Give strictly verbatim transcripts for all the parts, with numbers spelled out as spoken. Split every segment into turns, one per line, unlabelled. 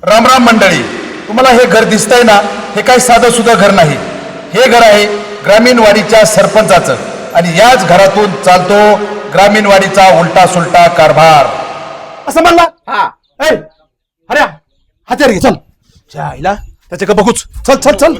राम राम मंडळी, तुम्हाला हे घर दिसतंय ना, हे काही साधं सुद्धा घर नाही. हे घर आहे ग्रामीण वाडीच्या सरपंचाचं आणि याच घरातून चालतो ग्रामीण वाडीचा उलटा सुलटा कारभार.
असं म्हणला.
हा
ए, अरे हात्यार घे चल. त्या आईला त्याच्या का बघूच. चल चल चल.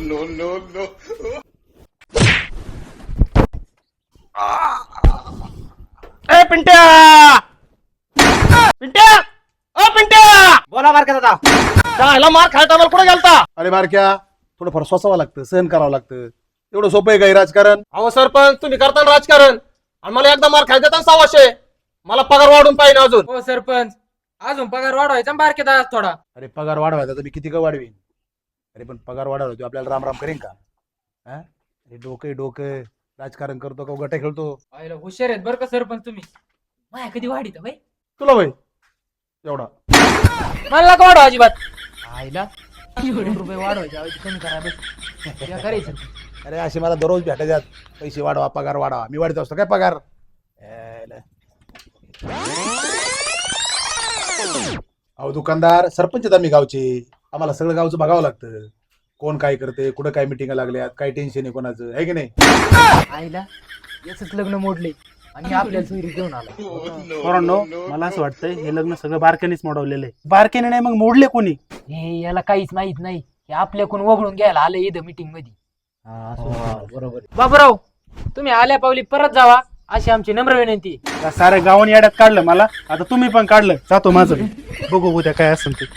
ए पिंट्या पिंट्या ओ पिंट्या बोला मार का दादा चायला मार खायचा मला कुठे गेलता.
अरे बारक्या, थोडं फार सोसावं लागतं, सहन करावं लागतं. एवढं सोपं आहे काही राजकारण?
अहो सरपंच तुम्ही करता ना राजकारण आणि मला एकदा मार खायचा ना सव्वाशे. मला पगार वाढून पाहिजे अजून.
हो सरपंच, अजून पगार वाढवायचा बारकेत आज थोडा.
अरे पगार वाढवायचा तर मी किती का वाढवीन. अरे पण पगार वाढवला तो आपल्याला राम राम करेन का? हा, अरे डोकं डोकं राजकारण करतो का गटे खेळतो?
आईला हुशार आहेत बरं का सरपंच तुम्ही. माया कधी वाढीत भाई
तुला भाई एवढा
मला का वाढवा अजिबात. आईला दोन रुपये वाढवायचे ऐवजी कमी करा बस करायचं.
अरे असे मला दररोज भेटायच्यात, पैसे वाढवा पगार वाढवा. मी वाढत असतो काय पगार? यायला. अहो दुकानदार, सरपंच आहेत आम्ही गावचे, आम्हाला सगळं गावचं बघावं लागतं. कोण काय करते, कुठं काय मिटिंग लागल्यात, काय टेन्शन आहे कोणाचं, आहे की नाही?
आईला याच लग्न मोडले आणि आपल्याला सोयरी घेऊन आला.
पोरांनो, मला असं वाटतंय हे लग्न सगळं बारक्यानेच मोडवलेलं आहे. बारक्याने नाही मग मोडले कोणी?
हे याला काहीच माहित नाही. हे आपल्याकडून वगळून घ्यायला आलं इथं मीटिंग मध्ये.
बरोबर.
बाबूराव, तुम्ही आल्या पावली परत जावा अशी आमची नम्र विनंती.
या साऱ्या गावाने याड्यात काढलं मला, आता तुम्ही पण काढलं. जातो माझं मी. बघू उद्या काय असेल ते.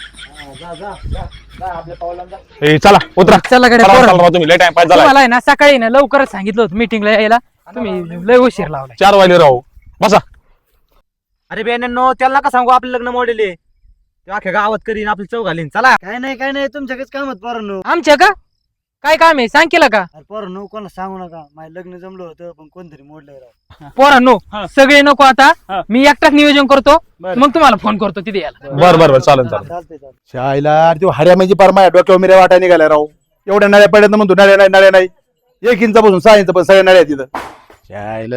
ए चला उतरा.
चला कडे
चला, चला, तुम्ही लेट टाइम पास झाला.
तुम्हाला आहे ना सकाळी ना लवकरच सांगितलं होतं मीटिंगला यायला, तुम्ही लय उशीर लावलाय.
चार वाजले राहू बसा.
अरे बेनो त्याला नका सांगू आपलं लग्न मोडेले. ते अख्ख्या गावात करीन आपली चव घालीन. चला.
काय नाही काय नाही, तुमच्याकडेच कामात पोरांनो.
आमच्या का काय काम आहे सांग केलं का?
पोरांनो कोणाला सांगू नका, माझं लग्न जमलं होतं पण कोणतरी मोडलंय राव.
पोरांनो सगळे नको आता,
हा.
मी एकटाच नियोजन करतो,
बरं.
मग तुम्हाला फोन करतो तिथे यायला.
बर बर बर चालेल चालेल.
चालतंय चालतंय.
शाळेला तो हऱ्या म्हणजे पार माझ्या डोक्यावर मिऱ्या वाटा निघाल्या राव. एवढ्या नळ्या पडल्यात ना म्हणतो नळ्या नाही नळ्या नाही. एक इंचापासून सहा इंच पण सगळ्या नळ्या तिथं. शाळेला.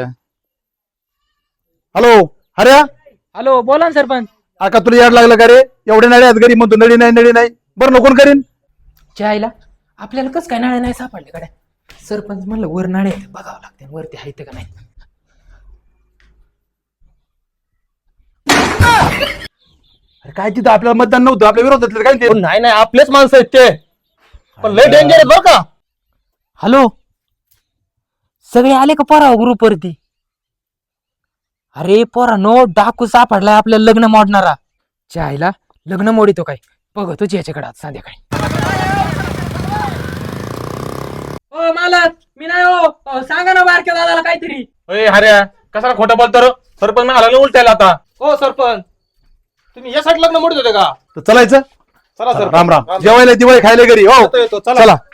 हॅलो हऱ्या,
हॅलो बोला ना सरपंच.
आका तुला याड लागलं का रे? एवढ्या नळ्या आहेत घरी म्हणतो नळी नाही नळी नाही. बरं नको करीन.
जायला आपल्याला कसं काय नाळे नाही सापडले कडे? सरपंच म्हणलं वर नाळे आहेत, बघावं लागते वरती आहेत का नाही.
अरे काय तिथं आपल्याला मतदान नव्हतं, आपल्या विरोधातलं काय ते?
नाही नाही आपलेच माणसं आहेत ते, पण लय डेंजर आहेत बरं का.
हॅलो सगळे आले का पोरा ग्रुप वरती? अरे पोरा नो डाकू सापडलाय आपल्याला लग्न मोडणारा. जायला लग्न मोडितो काय बघतोच याच्याकडे आज संध्याकाळी. ओ मालक मी नाही हो, अहो, सांगा ना बारक्या दादाला काहीतरी.
ए हऱ्या कशाला खोटं बोलतो रे? सरपंच मला आला उलटायला आता. हो सरपंच तुम्ही यासाठी लग्न मोडत होते का?
तर चलायचं.
चला सर.
राम राम. जेवायला दिवाळी खायला घरी. हो
येतो, येतो, चला.
चला.